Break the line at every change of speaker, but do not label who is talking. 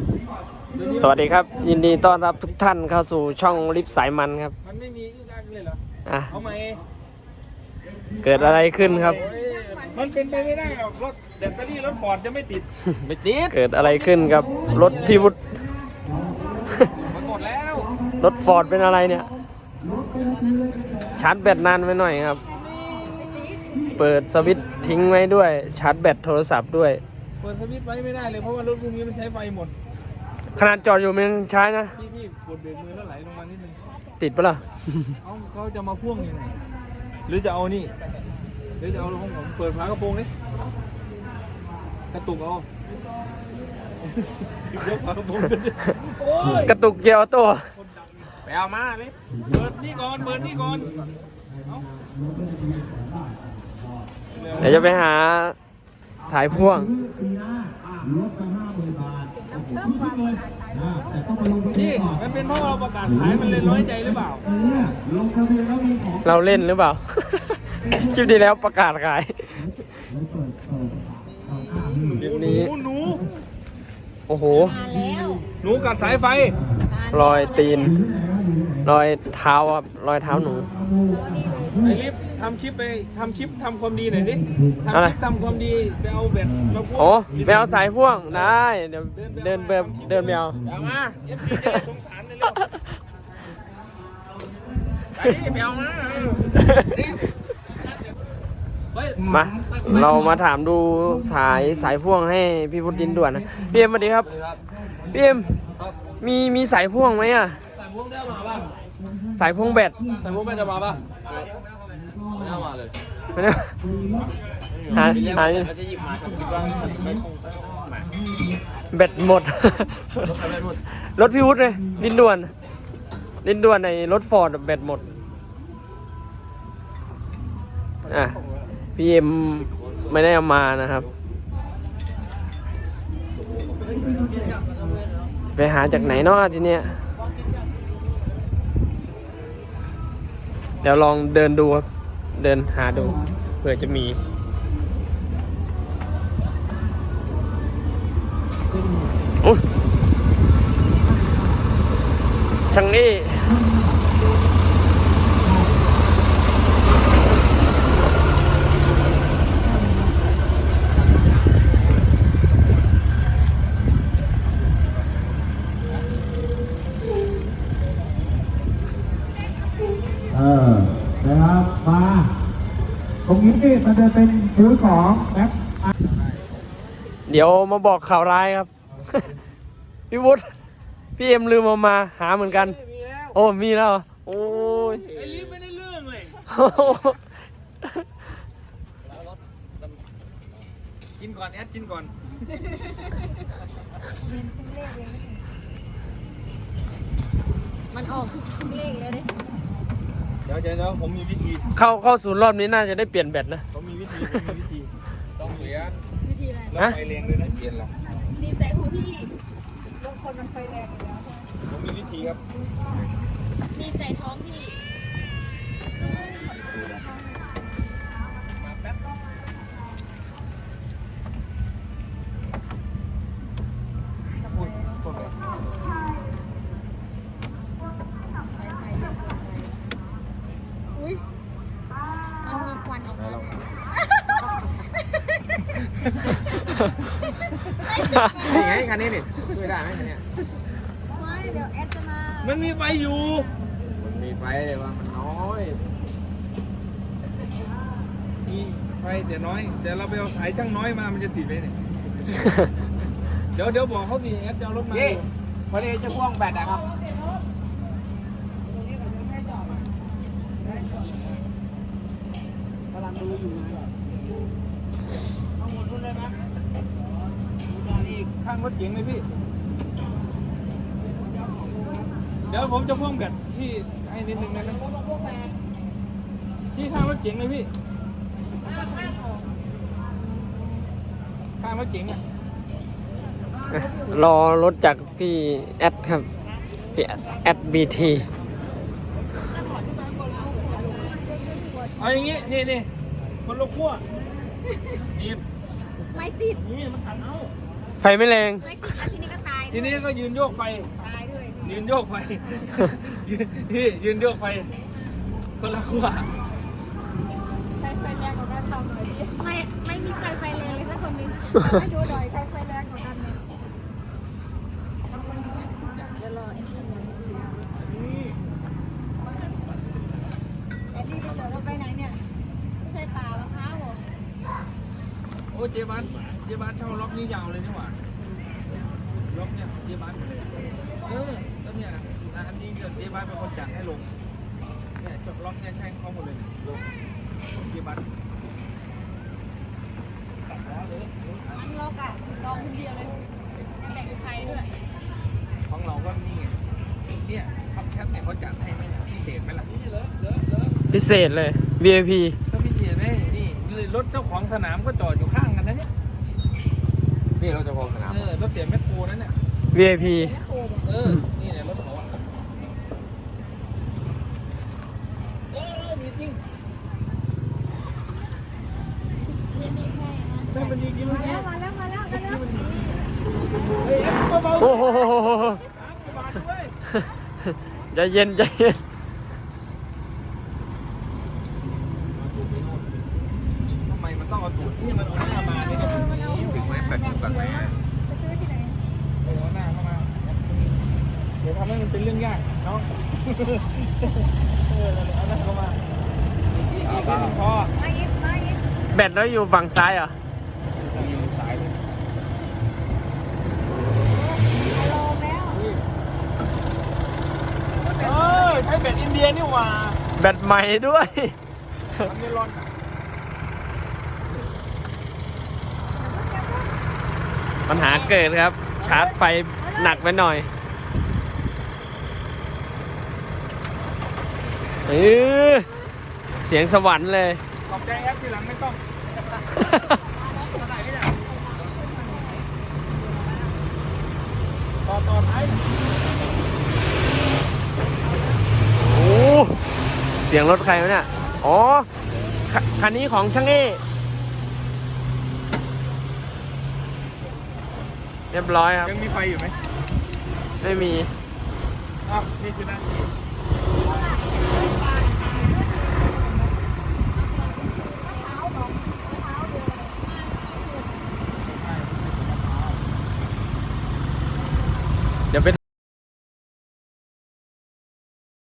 สวัสดีครับยินดีต้อนรับทุกท่านเข้าสู่ช่องลิฟสายมันครับ
มันไม่มีอึ้งอักเลยเหรอเอาไหม
เกิดอะไรขึ้นครับ
มันเป็นไปไม่ได้หรอกรถแบตเตอรี่รถฟอร์ดจะไม่ติด
เกิดอะไรขึ้นกับรถพี่วุฒิ
มันหมดแล้ว
รถฟอร์ดเป็นอะไรเนี่ยชาร์จแบตนานไปหน่อยครับเปิดสวิตช์ทิ้งไว้ด้วยชาร์จแบตโทรศัพท์ด้วย
เปิดสวิตช์ไว้ไม่ได้เลยเพราะว่ารถพวกนี้มันใช้ไฟหมด
ขนาดจอดอยู่มันใช้นะ
พี่กดเบรกมือแล้วไหลลงมานิดนึง
ติดปะล่ะ
เขาจะมาพ่วงยังไงหรือจะเอานี่หรือจะเอาของผมเปิดฝากระโปรงนี่กระตุกเอายกฝากระโปรง
กระตุกเกียร์ออโต้
ไปเอามาเลยเปิดนี่ก่อน
เดี๋ยวจะไปหาสายพ่วง
นี่มันเป็นเพราะเราประกาศขายมันเลยน้อยใจหรือเปล่า
เราเล่นหรือเปล่าคลิปที่แล้วประกาศขายคลิปนี้
หนู
โอ้โห
หนูกัดสายไฟ
รอยตีนรอยเท้าครับรอยเท้าหนู
ไอ้ลิฟทำคลิปทำความดีหน่อยดิทำความดีไปเอาแบตมาพ่วง
โอ้ไปเอาสายพ่วงได้เดี๋ยวเดินไปเอา
มาเอฟซีจะสงสารเลยเร็วไปเอา
มาเรามาถามดูสายพ่วงให้พี่พุทธินด่วนนะพี่เอ็มสวัสดีครับพี่เอ็มมีสายพ่วงไหมอ่ะ
สายพ่วงได้มาป่ะ
สายพ่วงแบต
สายพ่วงแบตจะมาป่ะไม่เอามาเลย
ไม่ได้หา
จะหยิบมาคิดว่า
แบตหมดรถพี่วุฒิเลยดินด่วนในรถฟอร์ดแบตหมดพี่เอ็มไม่ได้เอามานะครับไปหาจากไหนเนาะทีเนี้ยเดี๋ยวลองเดินดูครับเดินหาดูเผื่อจะมีช่างนี้
นะครับมาตรงนี้มันจะเป็นซื้อของแม็ก
เดี๋ยวมาบอกข่าวร้ายครับ พี่วุฒิพี่เอ็มลืมมาหาเหมือนกันโอ้มีแล้วโอ้ย
ไอ้ลิฟไม่ได้เรื่องเลยกินก่อนแอดกินก่อน
มันออกทุกเลขเลยดิ
เดี๋ยวผมมีวิธี
เข้าศูนย์รอบนี้น่าจะได้เปลี่ยนแบตนะ
ผมมีวิธีต้องเปลี่ยน
วิธีอะไร
แล้วไฟแรงด้วยนะเปลี่ยนหรอ
ดีใจหูพี่บางคนมันไฟแรงอยู่แล้ว
ผมมีวิธีครับ
ดีใจท้องพี่มันมีควันออกมา
นี่ไงคันนี้นี่ช่วยได้ไหมคันนี้
ไม่เดี๋ยวแอดจะมา
มันมีไฟอยู่มันมีไฟแต่ว่ามันน้อยมีไฟแต่น้อยเดี๋ยวเราไปเอาสายช่างน้อยมามันจะติดไหมเนี่ยเดี๋ยวบอกเขาดิแอดจะเอารถมาพอดีจะพ่วงแบตนะครับกำลังดูอยู่ทั้งหมดรุ่นเลยไหมดูตอนอีกข้างรถเก๋งเลยพี่เดี๋ยวผมจะพ่วงแบตที่ให้นิดนึงนะครับที่ข้างรถเก๋งเลยพี่ข้างรถเก๋งอ่ะ
รอรถจากพี่แอดครับพี่แอดบีที
เอาอย่างงี้นี่คนละขั้วนี่
ไม่ติด
นี่มันขัดเอา
ไฟไม่แรง
ไม่ติดแล้วทีนี้ก็ตาย
ทีนี้ก็ยืนโยกไฟ
ตายด้วย
ยืนโยกไฟ ยืนโยกไฟคนละขั้ว
ใครไฟแรงกว่ากันทำหน่อยดิไม่มีใครไฟแรงเลยสักคนนึงให้ดูหน่อยใครไฟแรงกว่ากันเนี่ยเดี๋ยวรอไอ้ที่มันไอ้ที่ไปจอดรถไปไหนเนี่ยไม่ใช่ป่ามะพร้าวเหรอ
โอ้เจ๊บ้านเช่าล็อกนี้ยาวเลยนี่หว่าล็อกเนี่ยเจ๊บ้านแล้วเนี่ยอันนี้เจ๊บ้านเป็นคนจัดให้ลงเนี่ยจบล็อกเนี่ยใช่เขาหมดเลยลงเจ๊บ้านตัดล้อเลย
อันล็อกอ่ะลองคนเดียวเลยไม่แบ่งใครด้วย
ของเราก็นี่ไงเนี่ยท็อปแคปเนี่ยเขาจัดให้ไหมพิเศษไหมล่ะ
พิเศษเลย VIP
ก็พิเศษไหมนี่รถเจ้าของสนามก็จอดอยู่ข้างกันนะเนี่ย
นี่เราจะพองสนาม
รถเสียแมคโครนั่นเนี่ย
VIP
นี่เนี่ยรถเขาดีจริงมันดีจริง
มาแล้ว
เฮ้ยเบาๆ
โอ้โห
บาทด้วย
ใจเย็นใจเย็น
ทำไมมันต้องเอาตูดที่มันเอาหน้ามาเนี่ยก็ถึงไหมแปลกๆไหม
ไปซื้อที่ไหน
เอาหน้าเข้ามาเดี๋ยวทำให้มันเป็นเรื่องยากเนาะเอาหน้าเข้ามาอีกพอ
มาอีก
แบตแล้วอยู่ฝั่งซ้ายเหรอ
สายเลย
รอแล้ว
ใช้แบตอินเดียนี่หว่า
แบตใหม่ด้วย
มันไม่ร้อน
ปัญหาเกิดครับ ชาร์จไฟหนักไปหน่อยเสียงสวรรค์เลย
ขอบใจครับทีหลังไม่ต้องต่อท้าย
โอ้เสียงรถใครวะเนี่ย อ๋อ คันนี้ของช่างเอเรียบร้อยครับ
ยังมีไฟอยู่ไหม
ไม่มี
อ้าวนี่คือหน้าที่